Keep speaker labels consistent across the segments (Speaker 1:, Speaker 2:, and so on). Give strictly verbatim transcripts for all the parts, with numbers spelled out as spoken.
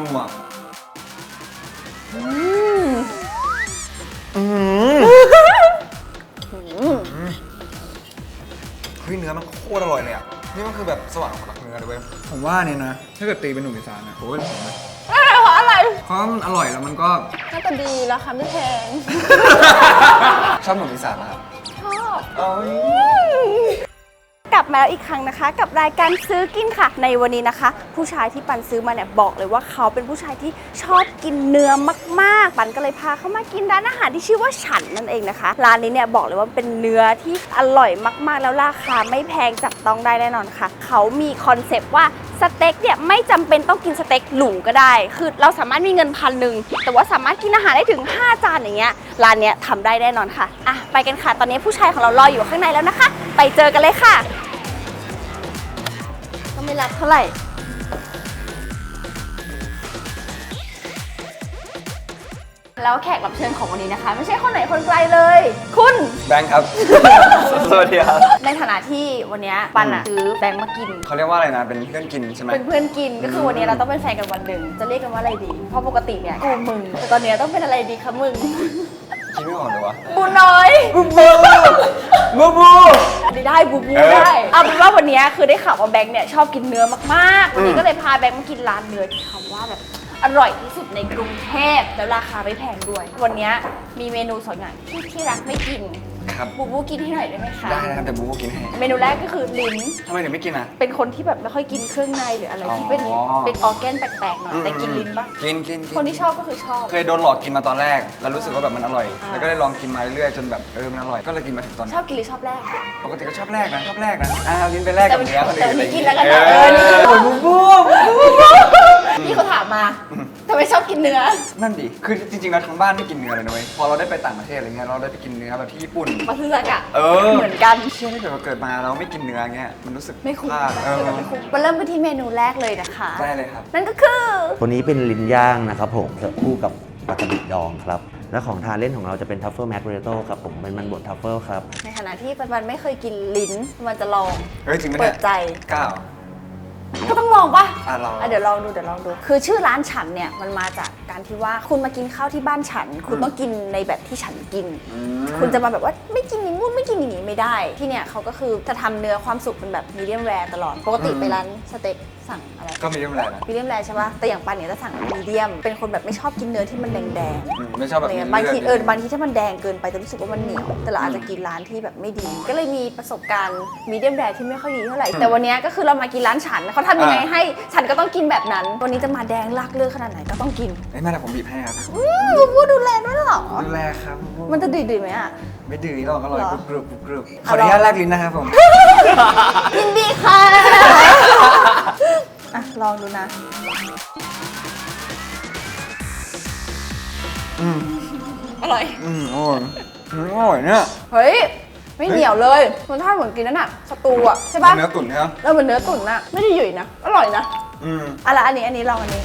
Speaker 1: นัว
Speaker 2: อืม
Speaker 1: อืมเฮ้ยเนื้อมันโคตรอร่อยเลยอ่ะนี่มันคือแบบสวรรค์ของนักเนื้อเลยเว้ยผมว่าเนี่ยนะถ้าเกิดตีเป็นหนุ่มอีสานนะผมว่าเป็นผมนะ
Speaker 2: เพราะอะไร
Speaker 1: เพราะมันอร่อยแล้วมันก็
Speaker 2: น่าจะดีราคาไม่แพง
Speaker 1: ชอบหนุ่มอีสานนะครับ
Speaker 2: ชอบ
Speaker 1: เอ้ย
Speaker 2: กลับมาแล้วอีกครั้งนะคะ กับรายการซื้อกินค่ะ ในวันนี้นะคะ ผู้ชายที่ปันซื้อมาเนี่ยบอกเลยว่าเขาเป็นผู้ชายที่ชอบกินเนื้อมากๆปันก็เลยพาเขามากินร้านอาหารที่ชื่อว่าฉันนั่นเองนะคะร้านนี้เนี่ยบอกเลยว่าเป็นเนื้อที่อร่อยมากๆแล้วราคาไม่แพงจับต้องได้แน่นอนค่ะเขามีคอนเซปต์ว่าสเต็กเนี่ยไม่จำเป็นต้องกินสเต็กหรูก็ได้คือเราสามารถมีเงินพันหนึ่งแต่ว่าสามารถกินอาหารได้ถึงห้าจานอย่างเงี้ยร้านเนี้ยทำได้แน่นอนค่ะอ่ะไปกันค่ะตอนนี้ผู้ชายของเรารออยู่ข้างในแล้วนะคะไปเจอกันเลยค่ะก็ไม่รับเท่าไหร่แล้วแขกรับเชิญของวันนี้นะคะไม่ใช่คนไหนคนไกลเลยคุณ
Speaker 1: แบงค์ครับ สวัสดีครับ
Speaker 2: ในฐานะที่วันนี้ปันอะซื้อแบงค์มากิน
Speaker 1: เขาเรียกว่าอะไรนะเป็นเพื่อนกินใช่ไหม
Speaker 2: เป็นเพื่อนกินก็คือวันนี้เราต้องเป็นแฟนกันวันหนึ่งจะเรียกกันว่าอะไรดีเพราะปกติเนี่ยกูมึงแต่ตอนนี้ต้องเป็นอะไรดีคะมึง
Speaker 1: คิดไม่ออกเลยวะ
Speaker 2: บูน้อย
Speaker 1: บูบูบูบู
Speaker 2: อันนี้ได้บูบูได้เอาเป็นว่าวันนี้คือได้ข่าวว่าแบงค์เนี่ยชอบกินเนื้อมากๆวันนี้ก็เลยพาแบงค์มากินร้านเนื้อที่คำว่าแบบอร่อยที่สุดในกรุงเทพแล้วราคาไม่แพงด้วยวันนี้มีเมนูสองอย่างที่ที่รักไม่กิน
Speaker 1: ครับ
Speaker 2: บูบูกินให้หน่อยได้ไหมคะ
Speaker 1: ได้นะครับแต่บูบูกินให้
Speaker 2: เมนูแรกก็คือลิ้น
Speaker 1: ทำไมถึงไม่กินอ่ะ
Speaker 2: เป็นคนที่แบบไม่ค่อยกินเครื่องในหรืออะไรที่เป็นเป็นออร์แกนแปลกๆหน่อยแต่กินลิ้นปะ
Speaker 1: กินกิน
Speaker 2: คนที่ชอบก็คือชอบ
Speaker 1: เคยโดนหลอกกินมาตอนแรกแล้วรู้สึกว่าแบบมันอร่อยแล้วก็ได้ลองกินมาเรื่อยๆจนแบบเออมันอร่อยก็เลยกินมาถึงตอนนี้
Speaker 2: ชอบกินหรือชอบแรก
Speaker 1: ปกติก็ชอบแรกนะชอบแรกนะอ่าลิ้นไปแรกกับเนื้อคนอื่น
Speaker 2: แต่นี่กินแล้วกันเออนี่บูบูพี่เขาถามมาทำไมชอบกินเนื้อ
Speaker 1: นั่นดิคือจริงๆแล้วทั้งบ้านไม่กินเนื้อเลยนะเว้ยพอเราได้ไปต่างประเทศอะไรเงี้ยเราได้ไปกินเนื้อแบบที่ญี่ปุ่น
Speaker 2: มาซื้อสักอะ
Speaker 1: เออ
Speaker 2: เหมือนกัน
Speaker 1: เชื่อถ้าเกิดเราเกิดมาเราไม่กินเนื้อเงี้ยมันรู้สึก
Speaker 2: ไม่คุ้ม
Speaker 1: เออ
Speaker 2: ไม่คุ้มมาเริ่มกันที่เมนูแรกเลยนะคะ
Speaker 1: ได้เลยครับ
Speaker 2: นั่นก็คือ
Speaker 3: ตัวนี้เป็นลิ้นย่างนะครับผมเสิร์ฟคู่กับปลากระดิบดองครับและของทานเล่นของเราจะเป็นทัฟเฟิลแมคเรโต้ครับผมเป็นมันบดทัฟเฟิลครับ
Speaker 2: ในฐานะที่ปันๆไม่เคยกินลิ้นมันจะลอง
Speaker 1: เฮ้ยจริงไหม
Speaker 2: เปิดใจ
Speaker 1: ก้าว
Speaker 2: ก็ต้องลองปะ
Speaker 1: อ่ะลอง
Speaker 2: เดี๋ยวลองดูเดี๋ยวลองดูคือชื่อร้านฉันเนี่ยมันมาจากการที่ว่าคุณมากินข้าวที่บ้านฉันคุณต้องกินในแบบที่ฉันกินคุณจะมาแบบว่าไม่กินอย่างงู้นไม่กินอย่างนี้ไม่ได้ที่เนี่ยเขาก็คือจะทำเนื้อความสุกเป็นแบบมีเดียมแรร์ตลอดปกติไปร้านสเต็กสั่งอะไร
Speaker 1: ก็มีเดียมแรร์นะ
Speaker 2: มีเดียมแรร์ใช่ปะแต่อย่างปันเนี่ยจะสั่งมีเดียมเป็นคนแบบไม่ชอบกินเนื้อที่มันแดง
Speaker 1: ๆไม่ชอบแบบ
Speaker 2: บางทีเออบางทีถ้ามันแดงเกินไปจะรู้สึกว่ามันเหนียวแต่เราอาจจะกินร้านที่แบบไม่ดีก็เลยมีประสบการณ์มีเดียมแรร์ที่ไม่ค่อยดีเท่าไหร่แต่วันนี้ก็คือเรามากินร้านฉันเขาทำยังไงให้ฉันก็ต้องกินแบบนั้นวันนี้จะมาแดงลากเลือดขนาดไหนก็ต้องกิน
Speaker 1: ไอ้แม่แต่ผมบีบให้ครับ
Speaker 2: บูบูดูแลด้วยหรอ
Speaker 1: ดูแลครับ
Speaker 2: มันจะดื้อๆไหมอ่ะ
Speaker 1: ไม่ดื้อหรอกอร่อยกรุบกรุบขออนุญาตแลกลิ้นนะครับผม
Speaker 2: ยินดีค่ะอ่ะลองดูนะ
Speaker 1: อืม
Speaker 2: อร่อย
Speaker 1: อืมอร่อยอร่อยเนี่ย
Speaker 2: เฮ้ยไม่เหนียวเลยมันท่าเหมือนกินนั่นน่ะสตูอ่ะใช่ป่ะ
Speaker 1: เนื้อตุ๋นใช่ไหม
Speaker 2: แล้วเหมือนเนื้อตุ๋นน่ะไม่ได้หยุ่ยนะอร่อยนะ
Speaker 1: อืม
Speaker 2: อะไรอันนี้อันนี้ลองอันนี้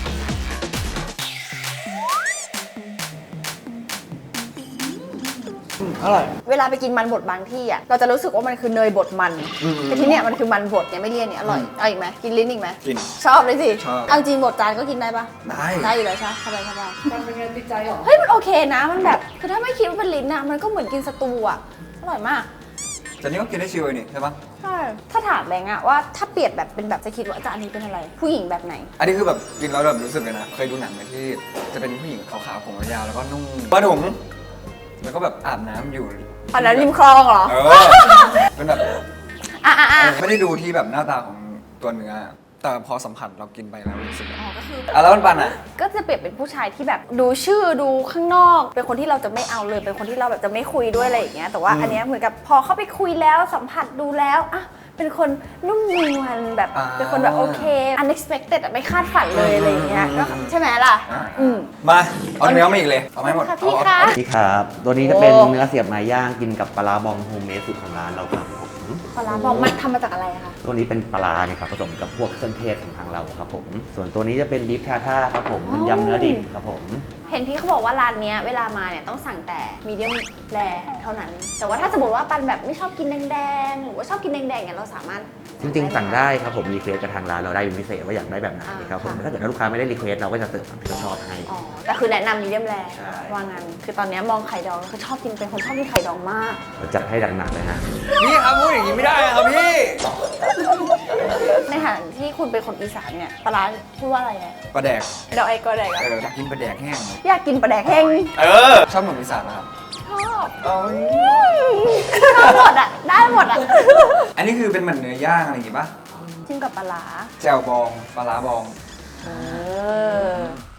Speaker 1: อร่อย
Speaker 2: เวลาไปกินมันบดบางที่อ่ะเราจะรู้สึกว่ามันคือเนยบดมันแต่ที่เนี้ยมันคือมันบดเนี่ยไม่เลี่ยนเนี่ยอร่อยเอาอีกไหมกินลิ้นอีกไหม
Speaker 1: กิน
Speaker 2: ชอบเลยสิ
Speaker 1: ชอบ
Speaker 2: เอาจริงบดจานก็กินได้ปะ
Speaker 1: ได้
Speaker 2: ได้อยู่แล้วใช่สบายสบายมันเป็นไงติดใจหรอเฮ้ยมันโอเคนะมันแบบคือถ้าไม่คิดว่าเป็นลิ้นอ่ะมันก็เหมือนกินสตูอ่ะอร่อยมาก
Speaker 1: แต่นี่ก็กินได้ชิวเลยนี่ใช่ปะ
Speaker 2: ใช่ถ้าถามแบงค์อะว่าถ้าเปรียบแบบเป็นแบบจะคิดว่าจานนี้เป็นอะไรผู้หญิงแบบไหน
Speaker 1: อันนี้คือแบบกินแล้วแบบรู้สึกเลยนะเคยดูหนังไหมที่จะเป็นผู้หญิงขาวๆผมยาวแล้วก็นุ่งผ้าถุงแล้วก็แบบอาบน้ำอยู่
Speaker 2: อันนั้นริมคลองเหรอ
Speaker 1: เออเป็นแบบ
Speaker 2: อ่ะอ่ะอ่ะ
Speaker 1: ไม่ได้ดูที่แบบหน้าตาของตัวเนื้อแต่พอสัมผัสเรากินไปแล้วรู้สึก
Speaker 2: อ๋อก็คือ
Speaker 1: อ่ะแล้วมันปันอ่ะ
Speaker 2: ก็จะเปรียบเป็นผู้ชายที่แบบดูชื่อดูข้างนอกเป็นคนที่เราจะไม่เอาเลยเป็นคนที่เราแบบจะไม่คุยด้วยอะไรอย่างเงี้ยแต่ว่าอันเนี้ยเหมือนกับพอเข้าไปคุยแล้วสัมผัสดูแล้วอ่ะเป็นคนนุ่มนวลแบบเป็นคนแบบโอเค unexpected ไม่คาดฝันเลยอะไรอย่างเงี้ยก็ใช่ไหมล่ะอืม
Speaker 1: มาเอาเนื้อมาอีกเลยเอาไม่หมด
Speaker 2: พี่คะ
Speaker 3: นี่ครับตัวนี้จะเป็นเนื้อเสียบไม้ย่างกินกับปลาบองโฮมเมดสูตรของร้านเราครับ
Speaker 2: ปลาบองมันทำมาจากอะไรคะ
Speaker 3: ตัวนี้เป็นปลาเนี่ยครับผสมกับพวกเครื่องเทศของทางเราครับผมส่วนตัวนี้จะเป็นบีฟทาท่าครับผมเป็นยำเนื้อดิบครับผม
Speaker 2: เห็นพี่เขาบอกว่าร้านเนี้ยเวลามาเนี่ยต้องสั่งแต่มีเดียมแรเท่านั้น แต่ว่าถ้าสมมติว่าปันแบบไม่ชอบกินแดงๆหรือว่าชอบกินแดงๆเนี่ยเราสามารถ
Speaker 3: จริงๆสั่งได้ครับผมรีเควสกับทางร้านเราได้เป็นพิเศษว่าอยากได้แบบไหนครับผม
Speaker 2: อ่าค่ะ
Speaker 3: ถ้าเกิดว่าลูกค้าไม่ได้รีเควสเราก็จะเติมตามที่เราชอบให้
Speaker 2: อ๋อแต่คือแนะนำมีเดียมแร
Speaker 3: ใช่
Speaker 2: ว่างั้นคือตอนเนี้ยมองไข่ดองคือชอบกินเป็นคนชอบกินไข่ดองมาก
Speaker 3: เราจัดให้หนักๆเลยฮะ
Speaker 1: นี่ครับพูดอย่างนี้ไม่ได้ครับพี่
Speaker 2: ในฐานะที่คุณเป็นคนอีสานเนี่ยปลาร้าพูดว่าอะไรเนี่ย
Speaker 1: ปลาแดก
Speaker 2: เดาไอ้ก็ได้
Speaker 1: เอออยากกินปลาแดกแห้ง
Speaker 2: อยากกินปลาแดกแห้ง
Speaker 1: เออ ชอบหนุ่มอีสานนะครับ
Speaker 2: ชอบ
Speaker 1: อ๋อ
Speaker 2: ชอบหมดอ่ะได้หมดอ่ะ
Speaker 1: อันนี้คือเป็นเหมือนเนื้อย่างอะไรอย่างงี้ปะ
Speaker 2: จิ้มกับปลาร้า
Speaker 1: แจ่วบองปลาร้าบอง
Speaker 2: เออ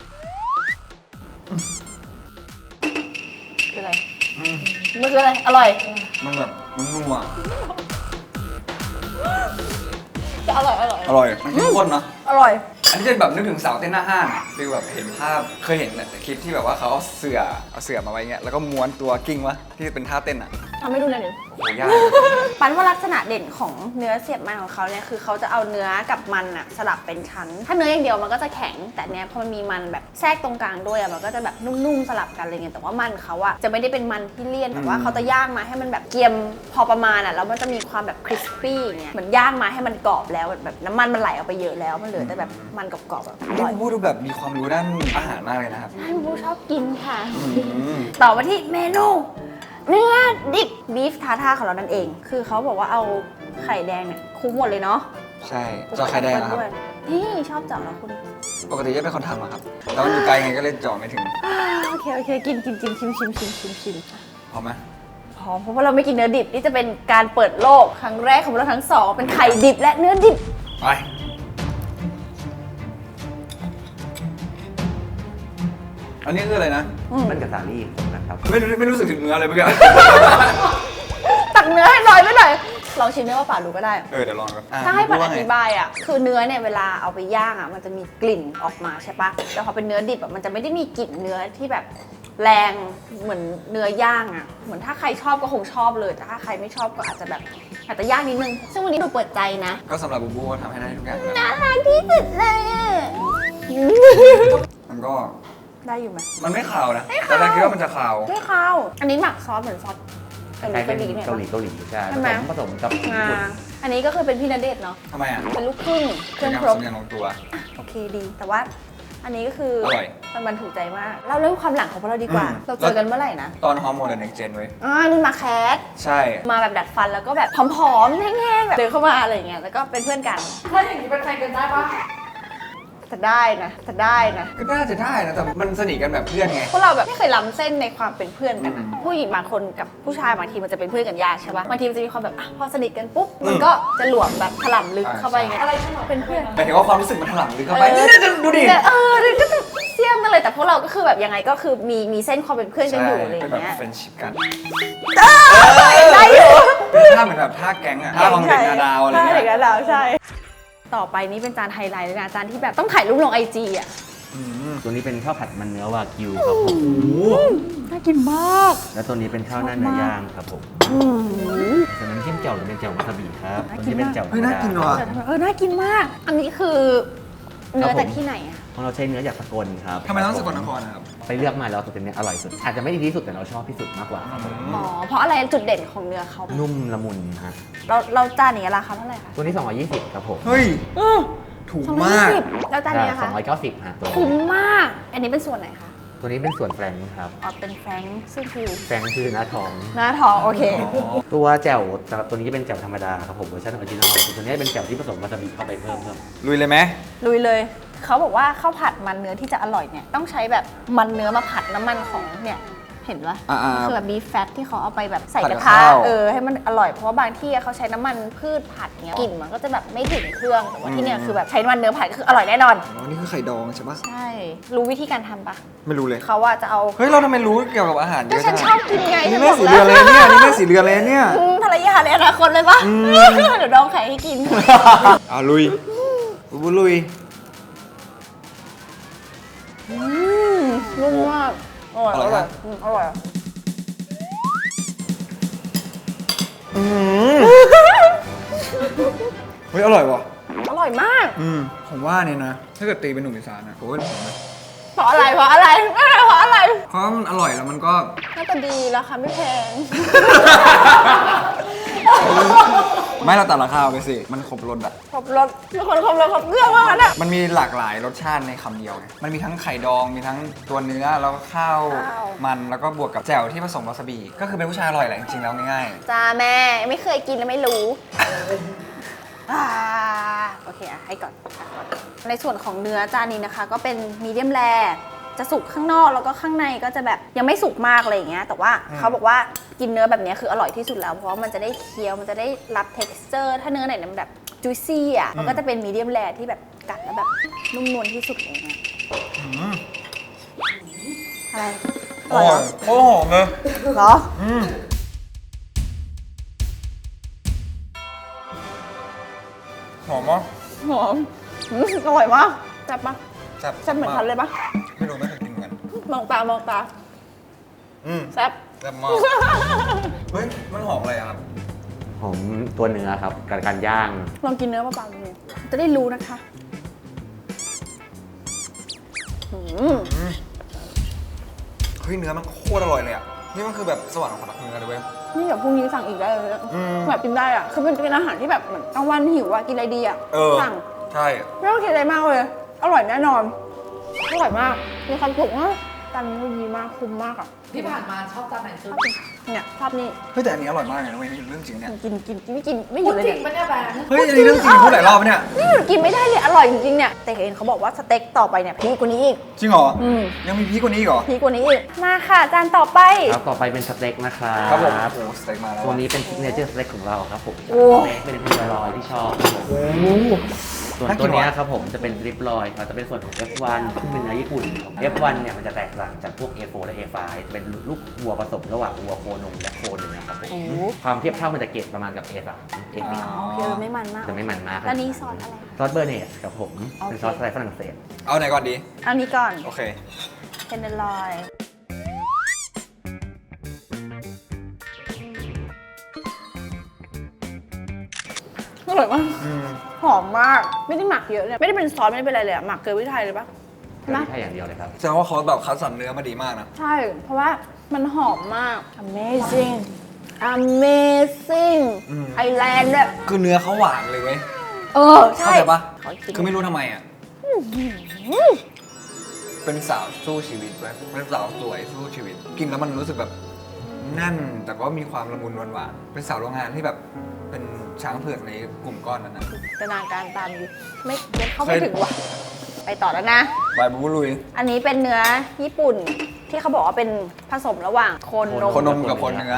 Speaker 2: คืออะไร
Speaker 1: อืม
Speaker 2: มันคืออะไรอร่อย
Speaker 1: มันแบบมันนัว
Speaker 2: จะอร่อยอร่อย
Speaker 1: อร่อยมันเข้มข้นเนาะ
Speaker 2: อร่อย
Speaker 1: อันนี้จะแบบนึกถึงสาวเต้นหน้าห้างอะฟีลแบบเห็นภาพเคยเห็นแต่คลิปที่แบบว่าเขาเอาเสื่อเอาเสื่อมาไว้เงี้ยแล้วก็ม้วนตัวกิ้งวะที่เป็นท่าเต้นอ่ะ
Speaker 2: ทำให้ดูหน่อยหนึ่ง
Speaker 1: โหยาก
Speaker 2: ปันว่าลักษณะเด่นของเนื้อเสียบมันของเขาเนี่ยคือเขาจะเอาเนื้อกับมันอะสลับเป็นชั้น ถ้าเนื้ออย่างเดียวมันก็จะแข็ง แต่เนี้ยพอมันมีมันแบบแทรกตรงกลางด้วยอะมันก็จะแบบนุ่มๆสลับกันอะไรเงี้ยแต่ว่ามันเขาอะจะไม่ได้เป็นมันที่เลี่ยนแต่ว่าเขาจะย่างมาให้มันแบบเกรียมพอประมาณอะแล้วมันจะมีความแบบคริสปี้อย่างเงี้ยเหมือนย่างมาให้มันกรอบแล้วแบบน้ำมันมันไหลออกไปเยอะแล้วมันเหลือแต่แบบมันกรอบๆแบบอ
Speaker 1: นี่
Speaker 2: ร่อย
Speaker 1: พูดดูแบบมีความรู้ด้านอาหารมากเลยนะครับ
Speaker 2: ใช่บูชอบกินค่ะ
Speaker 1: อืม
Speaker 2: ต่อมาที่เมนูเนื้อดิบบีฟทาท่าของเรานั่นเอง คือเขาบอกว่าเอาไข่แดงเนี่ยคลุกหมดเลยเนาะ
Speaker 1: ใช่เจาะไข่แดงนะครับ
Speaker 2: ด้วยนี่ชอบเจาะแล้วคุณ
Speaker 1: ปกติจะเป็นคนทำอะครับแล้วมันอยู่ไกลไงก็เลยเจาะไม่ถึง
Speaker 2: อ่าโอเค โอเค กินกินกินชิมชิมชิมชิมชิม
Speaker 1: พอไหม
Speaker 2: พร้อมเพราะว่าเราไม่กินเนื้อดิบ นี่จะเป็นการเปิดโลกครั้งแรกของเราทั้งสอง เป็นไข่ดิบและเนื้อดิบ
Speaker 1: ไปอันนี้คืออะไรนะ
Speaker 3: มันกับสาลี่นะครับ
Speaker 1: ไม่รู้ไม่รู้สึกถึงเนื้อเลยเมื่อกี้
Speaker 2: ตักเนื้อให้น้อยไปหน่อยลองชิมเนื้อเปล่าๆดูก็ได้
Speaker 1: เออเดี๋ยวลองกันอ่ะ
Speaker 2: ถ้าให้ปัน
Speaker 1: รู้
Speaker 2: อ
Speaker 1: ว่าไง
Speaker 2: ธิบายอ่ะ คือเนื้อเนี่ยเวลาเอาไปย่างอ่ะ มันจะมีกลิ่นออกมาใช่ปะแต่พอเป็นเนื้อดิบอ่ะ มันจะไม่ได้มีกลิ่นเนื้อที่แบบแรงเหมือนเนื้อย่างอ่ะ เหมือนถ้าใครชอบก็คงชอบเลย แต่ถ้าใครไม่ชอบก็อาจจะแบบอาจจะยากนิดนึง ซึ่งวันนี้หนูเปิดใจนะ
Speaker 1: ก็สำหรับบูบูก็ทำให้ได้ทุกอย่างนะ
Speaker 2: น่ารักที่สุดเลยอ่ะ
Speaker 1: มันก็
Speaker 2: ได้อยู่ไหม
Speaker 1: มันไม่ขาวนะแต่เราคิดว่ามันจะขาว
Speaker 2: ไม่เข้าวอันนี้หมักซอสเหมือนซอสเกาหลี
Speaker 3: ใช้เป็
Speaker 2: เกาน หลีเนี่ย
Speaker 3: เกาหลีเกาหลีใช่
Speaker 2: ใช่ไหม
Speaker 3: ผสมผสมกับญี่
Speaker 2: อ่า
Speaker 3: ปุ่น
Speaker 2: อันนี้ก็คือเป็นพี่ณเดชน์เนาะ
Speaker 1: ทำไมอ่ะ
Speaker 2: เป็นลูกครึ่งเครื่อง
Speaker 1: เป็น
Speaker 2: ครบ
Speaker 1: สำเนียงลงตัว
Speaker 2: โอเคดี แต่ว่าอันนี้ก็คือ
Speaker 1: อร่อย
Speaker 2: มันบันถูกใจมากเราเรื่องความหลังของพวกเราดีกว่า
Speaker 1: อืม
Speaker 2: เราเจอกันเมื่อไหร่นะ
Speaker 1: ตอนฮอร์โมนเดอะเน็กเจนเว้ย
Speaker 2: อ่ารุ่นมาแคส
Speaker 1: ใช่
Speaker 2: มาแบบดัดฟันแล้วก็แบบผอมๆแห้งๆแบบเดินเข้ามาอะไรอย่างเงี้ยแล้วก็เป็นเพื่อนกัน
Speaker 4: ถ้าอย่างนี้เป็นแฟนกันได้ปะ
Speaker 2: แต่ได้นะแต่ได้นะ
Speaker 1: ก็น่าจะได้นะแต่มันสนิทกันแบบเพื่อนไง
Speaker 2: พวกเราแบบไม่เคยล้ำเส้นในความเป็นเพื่อนกันอะ
Speaker 1: อืม
Speaker 2: ผู้หญิงบางคนกับผู้ชายบางทีมันจะเป็นเพื่อนกันยากใช่ปะบางทีมันจะมีความแบบอ่ะพอสนิทกันปุ๊บมัน
Speaker 1: อืม
Speaker 2: ก็จะหลวมแบบถล่ำลึกเข้าไปอย่างเงี้ย
Speaker 4: อะไรขนาด
Speaker 2: เป็นเพื่อน
Speaker 1: หมายถึงว่าความรู้สึกมันถล่ำลึกเข้าไป
Speaker 2: เออ
Speaker 1: นี่จะดูดิ
Speaker 2: เออนี่ก็จะเสี่ยมกันเลยแต่พวกเราก็คือแบบยังไงก็คือมีมีเส้นความเป็นเพื่อนกันอยู่อะไรอ
Speaker 1: เป็น
Speaker 2: ย่าง
Speaker 1: แบบ
Speaker 2: เงี้ย
Speaker 1: เฟรนชิพกัน
Speaker 2: ได้อยู่
Speaker 1: เป็นท่าเหมือนแบบท่าแก๊งอะท่าของเด็กนาดาวอะไร
Speaker 2: ใช่
Speaker 1: เงี้
Speaker 2: เด็ก
Speaker 1: ย
Speaker 2: นาดาวใช่ ต่อไปนี้เป็นจานไฮไลท์เลยนะจานที่แบบต้องถ่ายรูปลงไอจีอ่ะ
Speaker 1: อืม
Speaker 3: ตัวนี้เป็นข้าวผัดมันเนื้อวากิวครับผม
Speaker 2: น่ากินมาก
Speaker 3: แล้วตัวนี้เป็นข้าวหน้าเนื้อย่างครับผม
Speaker 2: อืม
Speaker 3: ส่วนน้ำจิ้มแจ่วหรือเป็นแจ่ววาซาบิครับ
Speaker 2: น่า
Speaker 3: ตัว
Speaker 2: กิน
Speaker 3: นี้เป็น
Speaker 2: มาก
Speaker 3: แจ่วธร
Speaker 1: เฮ้ย
Speaker 3: รม
Speaker 1: น่า
Speaker 3: ดา
Speaker 1: กินว่ะ
Speaker 2: เออน่ากินมาก อันนี้คือเนื้อจากที่ไหนอ่ะ
Speaker 3: ของเราใช้เนื้อจากสกลครับ
Speaker 1: ทำไมต้องสกลนครนะครับ
Speaker 3: ไปเลือกมาแล้วตัวเป็นเนี้ยอร่อยสุด อาจจะไม่ดีที่สุดแต่เราชอบที่สุดมากกว่าครับผม
Speaker 2: อ๋อเพราะอะไรจุดเด่นของเนื้อเขา
Speaker 3: นุ่มละมุนฮะ
Speaker 2: เราเราจานนี้ราคาเท่าไหร่คะ
Speaker 3: ตัวนี้สองร้อยยี่สิบครับผม
Speaker 1: เฮ้ย
Speaker 2: เออ
Speaker 1: ถูก
Speaker 2: สองร้อย
Speaker 1: มาก
Speaker 2: ยี่สิบแล้วจานนี้นะ
Speaker 3: สอ
Speaker 2: คะ
Speaker 3: งร้อยเก้าสิบฮะตัวนี้
Speaker 2: คุ้มมาก อันนี้เป็นส่วนไหนคะ
Speaker 3: ตัวนี้เป็นส่วนแฟรงค์ครับ
Speaker 2: อ๋อเป็นแฟรงค์ซึ่งคือ
Speaker 3: แฟรงค์คือหน้าท้อง
Speaker 2: หน้าท้องโอเค
Speaker 3: ตัวแจ่วตัวนี้จะเป็นแจ่วธรรมดาครับผมเวอร์ชันออริจินอลส่วนตัวนี้เป็นแจ่วที่ผสมวาซาบิเข้าไปเพิ่มเพิ่ม
Speaker 1: ลุยเลยไหม
Speaker 2: ลุยเลย เขาบอกว่าข้าวผัดมันเนื้อที่จะอร่อยเนี่ยต้องใช้แบบมันเนื้อมาผัดน้ำมันของเนี่ยเห็นปะ
Speaker 1: อ่าๆ
Speaker 2: คือแบบบีฟแฟตที่เขาเอาไปแบบใส่
Speaker 1: ผัด
Speaker 2: ก
Speaker 1: กั
Speaker 2: ระ
Speaker 1: บ
Speaker 2: ทะ
Speaker 1: ข้าว
Speaker 2: เออให้มันอร่อยเพราะว่าบางที่เขาใช้น้ำมันพืชผัดเงี้ยกลิ่นมันก็จะแบบไม่ถึงเครื่องแต่ว่าที่เนี่ยคือแบบใช้น้ำมันเนื้อผัดก็คืออร่อยแน่นอน
Speaker 1: อ๋อนี่คือไข่ดองใช่ปะ
Speaker 2: ใช่ รู้วิธีการทำปะ
Speaker 1: ไม่รู้เลย
Speaker 2: เขาว่าจะเอา
Speaker 1: เฮ้ย เราทำไมรู้เกี่ยวกับอาหารเย
Speaker 2: ก็
Speaker 1: อะ
Speaker 2: ฉั
Speaker 1: จั
Speaker 2: น
Speaker 1: ง
Speaker 2: ชอบกินไง
Speaker 1: นี่
Speaker 2: ฉัน
Speaker 1: แม่
Speaker 2: บอก
Speaker 1: สี
Speaker 2: แล้
Speaker 1: เรื
Speaker 2: ว
Speaker 1: อนเลยเนี่ย นี่แม่สีเรือนเลยเนี่ย
Speaker 2: อืมภรรยาในอนาคตเลยปะ
Speaker 1: อืม
Speaker 2: เดี๋ยวดองไข่ให้กิน
Speaker 1: อ่าลุยบูบูลุย
Speaker 2: อืมนุ่มมากอร่อย
Speaker 1: อ
Speaker 2: อ
Speaker 1: ร่อย
Speaker 2: ร่อย
Speaker 1: นะ
Speaker 2: อืมอร่อย
Speaker 1: อืมเฮ้ย อร่อยว่ะ
Speaker 2: อร่อยมาก
Speaker 1: อืมผมว่าเนี่ยนะ ถ้าเกิดตีเป็นหนุ่มอีสานนะผมว่าผมนะ
Speaker 2: เพราะอะไรเพราะอะไรเพราะอะไร
Speaker 1: เพราะมันอร่อยแล้วมันก็
Speaker 2: หน้าตาดีราคาไม่แพง
Speaker 1: ไม่เราตัดราคาไปสิ มันครบรสอะ
Speaker 2: ครบรสมีคนครบรสครบเครื่องมากนะ
Speaker 1: มันมีหลากหลายรสชาติในคำเดียวไงมันมีทั้งไข่ดอง มีทั้งตัวเนื้อ แล้วก็ข้าว มัน แล้วก็บวกกับแจ่วที่ผสมวาซาบิ ก็คือเป็นผู้ชายอร่อยแหละจริงๆแล้วง่าย
Speaker 2: จ้าแม่ไม่เคยกินแล้วไม่รู้ อ่าโอเคอ่ะให้ก่อนอ่ะก่อน ในส่วนของเนื้อจานนี้นะคะ ก็เป็นมีเดียมแรจะสุกข้างนอกแล้วก็ข้างในก็จะแบบยังไม่สุกมากอะไรอย่างเงี้ยแต่ว่าเขาบอกว่ากินเนื้อแบบนี้คืออร่อยที่สุดแล้วเพราะว่ามันจะได้เคี้ยวมันจะได้รับ texture ถ้าเนื้อไหนมันแบบ juicy อ่ะมันก็จะเป็นมีเดียมแรที่แบบกัดแล้วแบบนุ่มนวลที่สุดเลยนะอะไร
Speaker 1: ๆ
Speaker 2: อร่อยเหรอ
Speaker 1: โอ้โหเลย
Speaker 2: เหรอ
Speaker 1: อืมหอมมาก
Speaker 2: หอมอืมอร่อยมากแซ่บปะ
Speaker 1: แซ่บ
Speaker 2: แซ่บเหมือนทันเลยปะ
Speaker 1: ไม่รู้ไม่เคยกินเหมือนกัน
Speaker 2: มองตามองตา
Speaker 1: อืม
Speaker 2: แซ่บ
Speaker 1: แซ่บมาก เฮ้ย มันหอมอะไรอะครับ
Speaker 3: หอมตัวเนื้อครับกับการย่าง
Speaker 2: ลองกินเนื้อเปล่าๆดูจะได้รู้นะคะอืม
Speaker 1: เฮ้ย เนื้อมันโคตรอร่อยเลยอะนี่มันคือแบบสวรรค์ของคนรักเนื้อเลยเว้ย
Speaker 2: นี่แบบพรุ่งนี้สั่งอีกได้เลยอะ
Speaker 1: อืม
Speaker 2: แบบกินได้อ่ะ คือมันเป็นอาหารที่แบบเหมือนกลางวันหิวอ่ะ กินอะไรดีอ่ะ
Speaker 1: เออ
Speaker 2: สั่ง
Speaker 1: ใช่
Speaker 2: ไม่ต้องคิดอะไรมากเลย อร่อยแน่นอน อร่อยมาก มีความสุขมากจานนี้ดีมาก คุ้มมากอ่ะ
Speaker 4: ที่ผ่านมาชอบจานไหนสุด
Speaker 2: เนี่ยชอบนี่
Speaker 1: เฮ้ยแต่อันนี้อร่อยมากเลยนะเว้ยนี่เรื่องจริงเนี่ย
Speaker 2: กินกินกินไม่กินไม่ห
Speaker 4: พู
Speaker 2: ยุ
Speaker 4: ด
Speaker 2: ดเลย
Speaker 4: จริ
Speaker 2: เนี่
Speaker 4: ง
Speaker 2: ย
Speaker 4: ปะเนี่ยแบงค์
Speaker 1: เฮ้ยอันนี้เรื่องจริงพูดหลายรอบปะเนี่ย
Speaker 2: นี่หยุดกินไม่ได้เลย อร่อยจริงๆเนี่ย แต่เห็นเขาบอกว่าสเต็กต่อไปเนี่ยพีกกว่านี้อีก
Speaker 1: จริงเหรอ
Speaker 2: อืม
Speaker 1: ยังมีพีกกว่านี้อีกเหรอ
Speaker 2: พีกกว่านี้อีก มาค่ะ จานต่อไป
Speaker 3: ครับต่อไปเป็นสเต็กนะครับ
Speaker 1: ครับผมโอ้โหสเต็กมาแล้ว
Speaker 3: ตัวนี้เป็นซิกเนเจอร์สเต็กของเราครับผม
Speaker 2: โอ้
Speaker 3: สเต็กเป็นพิซลอยที่ชอบครับผมส่วนตัวเนี้ยครับผมจะเป็นริบลอยครับจะเป็นส่วนของ เอฟ วัน ซึ่งเป็นเนื้อญี่ปุ่น เอฟ วัน เนี่ยมันจะแตกต่างจากพวก เอ โฟร์ และ เอ ไฟว์ จะเป็นลูกวัวผสมระหว่างวัวโคนมและโคเนื้อครับผม
Speaker 2: โอ้
Speaker 3: ความเทียบเท่ามันจะเกรดประมาณกับ เอ สาม เอ สี่
Speaker 2: โอเคไม่มันมาก
Speaker 3: จะไม่มันมากครับ
Speaker 2: แล้วนี้ซอสอะไร
Speaker 3: ซอสเบอร์เนสครับผม
Speaker 2: โอเค
Speaker 3: เป็นซอสสไตล์ฝรั่งเศส
Speaker 1: เอาไหนก่อนดี
Speaker 2: เอานี้ก่อน
Speaker 1: โอเค
Speaker 2: เทนเดอร์ลอยอร่อยมาก
Speaker 1: อืม
Speaker 2: หอมมาก ไม่ได้หมักเยอะเลยไม่ได้เป็นซอสไม่ได้เป็นอะไรเลยอะหมักเกลือพริกไทยเลยปะ
Speaker 3: ไม่
Speaker 2: นะ
Speaker 3: ใช่อย่างเดียวเลยครับ
Speaker 1: แสดงว่าเขาแบบคัดสรรเนื้อมาดีมากนะ
Speaker 2: ใช่ เพราะว่ามันหอมมาก amazing amazing
Speaker 1: อืม
Speaker 2: ไทยแลนด์ด้วย
Speaker 1: คือเนื้อเขาหวานเลยเว้ย
Speaker 2: เออ ใช่
Speaker 1: เข้าใจปะ
Speaker 2: ขอกิน
Speaker 1: คือไม่รู้ทำไมอ่ะ เป็นสาวสู้ชีวิตเว้ยเป็นสาวสวยสู้ชีวิต กินแล้วมันรู้สึกแบบแน่น แต่ก็มีความละมุนหวานๆเป็นสาวโรงงานที่แบบเป็นช้างเผือกในกลุ่มก้อนนั้นนะ
Speaker 2: จินตนาการตามอยู่ไม่ไม่เข้า
Speaker 1: เค
Speaker 2: ไม่
Speaker 1: ย
Speaker 2: ถึงว่ะ ไปต่อแล้วนะ
Speaker 1: บายบูลุย
Speaker 2: อันนี้เป็นเนื้อญี่ปุ่นที่เขาบอกว่าเป็นผสมระหว่างโคนนม
Speaker 1: คนนมกับคนเนื้อ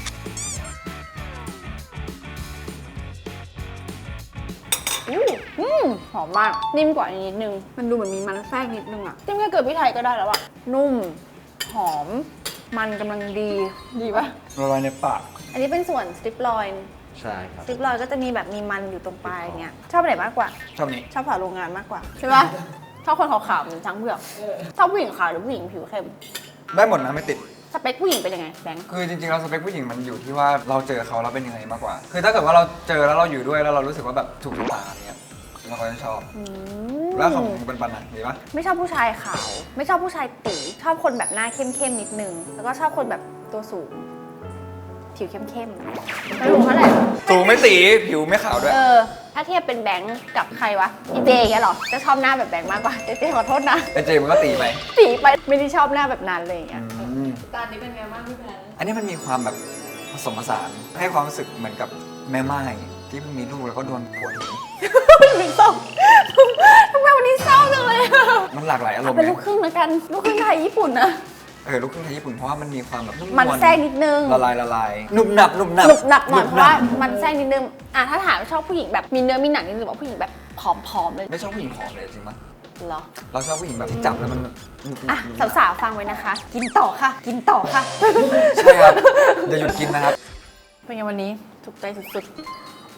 Speaker 2: อู้อืมหอมมาก นิ่มกว่าอันนี้นิดนึง มันดูเหมือนมีมันแทรกนิดนึงอะจิ้มแค่เกลือพริกไทยก็ได้แล้วอะนุ่ม หอม มันกำลังดี ดีปะ
Speaker 1: ละลายในปาก
Speaker 2: อันนี้เป็นส่วนสติปลอย
Speaker 3: ใช่ครับ
Speaker 2: สติปลอยก็จะมีแบบมีมันอยู่ตรงปลายอย่างเงี้ย ชอบอันไหนมากกว่า
Speaker 1: ชอบนี้
Speaker 2: ชอบฝาโรงงานมากกว่า ใช่ปะชอบคนขาวๆเหมือนช้างเผือกชอบผู้หญิงขาวหรือผู้หญิงผิวเข้ม
Speaker 1: ได้หมดนะไม่ติด
Speaker 2: สเปคผู้หญิงเป็นยังไงแบงค์
Speaker 1: คือจริงๆเราสเปคผู้หญิงมันอยู่ที่ว่าเราเจอเขาแล้วเป็นยังไงมากกว่า คือถ้าเกิดว่าเราเจอแล้วเราอยู่ด้วยแล้วเรารู้สึกว่าแบบถูกตาอย่างเงี้ยเราก็จะชอบ
Speaker 2: อืม
Speaker 1: แล้วของปันปันๆอ่ะมีปะ
Speaker 2: ไม่ชอบผู้ชายขาว ไม่ชอบผู้ชายตีชอบคนแบบหน้าเข้มๆนิดนึง แล้วก็ชอบคนแบบตัวสูง ผิวเข้มๆไม่รู้เท่าไหร่
Speaker 1: สูงไม่ตีผิวไม่ขาวด้วย
Speaker 2: เออ ถ้าเทียบเป็นแบงค์กับใครวะอีเจอย่างเงี้ยเหรอ จะชอบหน้าแบบแบงค์มากกว่าเจเจขอโทษนะ
Speaker 1: ไอเจมันก็ตีไป
Speaker 2: ตีไปไม่ได้ชอบหน้าแบบนั้นเลยอย่างเงี้ย
Speaker 4: จานนี้เป็นไงบ้างพี่แบงค์
Speaker 1: อันนี้มันมีความแบบผสมผสานให้ความรู้สึกเหมือนกับแม่ไม้ที่มีลูกแล้วก็โดนผัวหนี
Speaker 2: มีเศร้าทำไมวันนี้เศร้าจังเลยอะ
Speaker 1: มันหลากหลายอารมณ์
Speaker 2: เป็น
Speaker 1: ไง
Speaker 2: ลูกครึ่งแล้วกัน ลูกครึ่งไทยญี่ปุ่นนะ
Speaker 1: เออลูกครึ่งไทยญี่ปุ่นเพราะว่ามันมีความแบบนุ่
Speaker 2: มัน
Speaker 1: วล
Speaker 2: แทรกนิดนึง
Speaker 1: ละลายละลายหนุบหนับหนุบหนับ
Speaker 2: หนุบหนับหน่อยเพ
Speaker 1: บ
Speaker 2: ราะว่ามันแทรกนิดนึงอ่ะถ้าถามชอบผู้หญิงแบบมีเนื้อมีหนังนิดนึงหรือว่าผู้หญิงแบบผอมๆเลย
Speaker 1: ไม่ชอบผู้หญิงผอมเลยจริงปะ
Speaker 2: เหรอ
Speaker 1: เราชอบผู้หญิงแบบที่จับแล้วมันหนุบหนั
Speaker 2: อ่ะ
Speaker 1: บ
Speaker 2: สาวๆฟังไว้นะคะ กินต่อค่ะ กินต่อค่ะ
Speaker 1: ใช่ครับอย่าหยุดกินนะครับ
Speaker 2: เป็นไงวันนี้ถูกใจสุด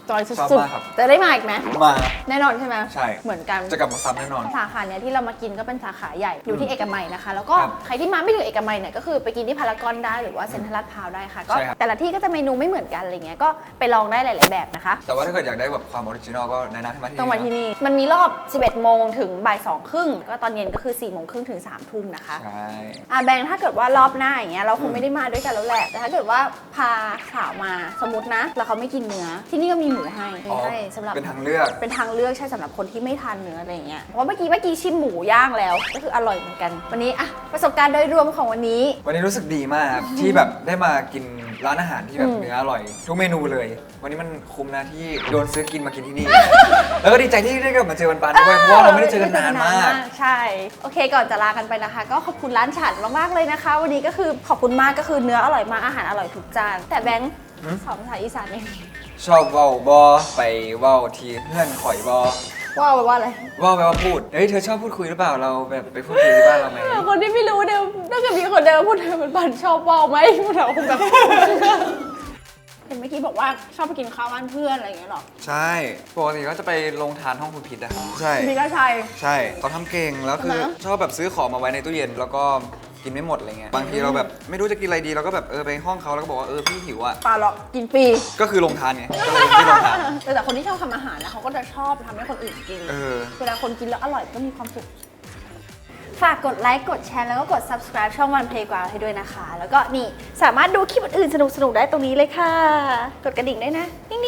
Speaker 2: จอยสุ
Speaker 1: ชอบ
Speaker 2: ด
Speaker 1: มากครับ
Speaker 2: ๆจะได้มาอีกไหม
Speaker 1: มา
Speaker 2: แน่นอนใช่ไหม
Speaker 1: ใช่
Speaker 2: เหมือนกัน
Speaker 1: จะกลับมาซ้ำแน่นอน
Speaker 2: สาขาเนี้ยที่เรามากินก็เป็นสาขาใหญ่อยู่ที่เอกมัยนะคะ แล้วก็
Speaker 1: ครับ
Speaker 2: ใครที่มาไม่ถึงเอกมัยเนี่ยก็คือไปกินที่พารากอนได้หรือว่าเซ็นทรัลลาดพร้าวได้ค่ะก็
Speaker 1: ใช่ครับ
Speaker 2: แต่ละที่ก็จะเมนูไม่เหมือนกันอะไรเงี้ยก็ไปลองได้หลาย ๆ แบบนะคะ
Speaker 1: แต่ว่าถ้าเกิดอยากได้แบบความออริจินอลก็แนะนำให้มาที่
Speaker 2: ต้องมาที่
Speaker 1: นี่
Speaker 2: นี่มันมีรอบ สิบเอ็ดโมงถึงบ่ายสองครึ่งก็ตอนเย็นก็คือสี่โมงครึ่งถึงสามทุ่มนะคะ
Speaker 1: ใช่
Speaker 2: อ่ะแบงค์ถ้าเกิดว่ารอบหน้าอย่างเงี้ยเราคงไม่ได้มาด้วยกันแล้วแหละแต่ถ้าเกิดว่าพาสาวมาสมมตินะแล้วเขาไม่กินเนื้อที่นี่ก็มีหมูให้มี
Speaker 1: อ๋อ
Speaker 2: ให้สำหรับ
Speaker 1: เป็นทางเลือก
Speaker 2: เป็นทางเลือกใช่สำหรับคนที่ไม่ทานเนื้ออะไรอย่างเงี้ย เพราะเมื่อกี้เมื่อกี้ชิมหมูย่างแล้ว ก็คืออร่อยเหมือนกัน วันนี้อะประสบการณ์โดยรวมของวันนี้
Speaker 1: วันนี้รู้สึกดีมากครับที่แบบได้มากินร้านอาหารที่แบบ
Speaker 2: อืม
Speaker 1: เนื้ออร่อย ทุกเมนูเลย วันนี้มันคุ้มนะที่โดนซื้อกินมากินที่นี่ แล้วก็ดีใจที่ได้กลับมาเจอวันปานด้วยเพราะว่าเราไม่ได้เจอกันนานมาก
Speaker 2: ใช่ โอเคก่อนจะลากันไปนะคะ ก็ขอบคุณร้านฉันมากๆเลยนะคะ วันนี้ก็คือขอบคุณมากก็คือเนื้ออร่อยมากอาหารอร่อยทุกจานแต่แบงค์
Speaker 1: หืม
Speaker 2: สอนภาษาอีสานเอง
Speaker 1: ชอบเว้าบอไปเว้าทีเพื่อนข่อยบอ
Speaker 2: ว่าไปว่าอะไร
Speaker 1: เว่าแปลว่าพูดเฮ้ยเธอชอบพูดคุยหรือเปล่าเราแบบไปพูดคุยที่บ้านเราไหม
Speaker 2: คนที่ไม่รู้เดิมถ้าเกิดมีคนเดิมพูดเดิมมันบันชอบว่าวไหมพูดเราคงแบบ เห็นเมื่อกี้บอกว่าชอบไปกินข้าวบ้านเพื่อนอะไรอย่างเงี้ยหรอ
Speaker 1: ใช่ปกติก็จะไปลงทานห้องคุณพิษอะใช่
Speaker 2: พี่ก็ใช่
Speaker 1: ใช่เขาทำเก่งแล้วคือ
Speaker 2: ใช่ไหม
Speaker 1: ชอบแบบซื้อของมาไว้ในตู้เย็นแล้วก็กินไม่หมดอะไรเงี้ยบางทีเราแบบไม่รู้จะกินอะไรดีเราก็แบบเออไปห้องเขาแล้วก็บอกว่าเออพี่หิวอะ
Speaker 2: ปลาหรอกกินฟรี
Speaker 1: ก็คือลงทานไงก็เลยที่ลงทาน
Speaker 2: แต่แต่คนที่ชอบทำอาหารนะเขาก็จะชอบทำให้คนอื่นกิน
Speaker 1: เออ
Speaker 2: เวลาคนกินแล้วอร่อยก็มีความสุข ฝากกดไลค์ กดแชร์ แล้วก็กด subscribe ช่อง One Playground ให้ด้วยนะคะ แล้วก็นี่สามารถดูคลิปอื่นๆสนุกๆ ได้ตรงนี้เลยค่ะ กดกระดิ่งด้วยนะ ติ๊ง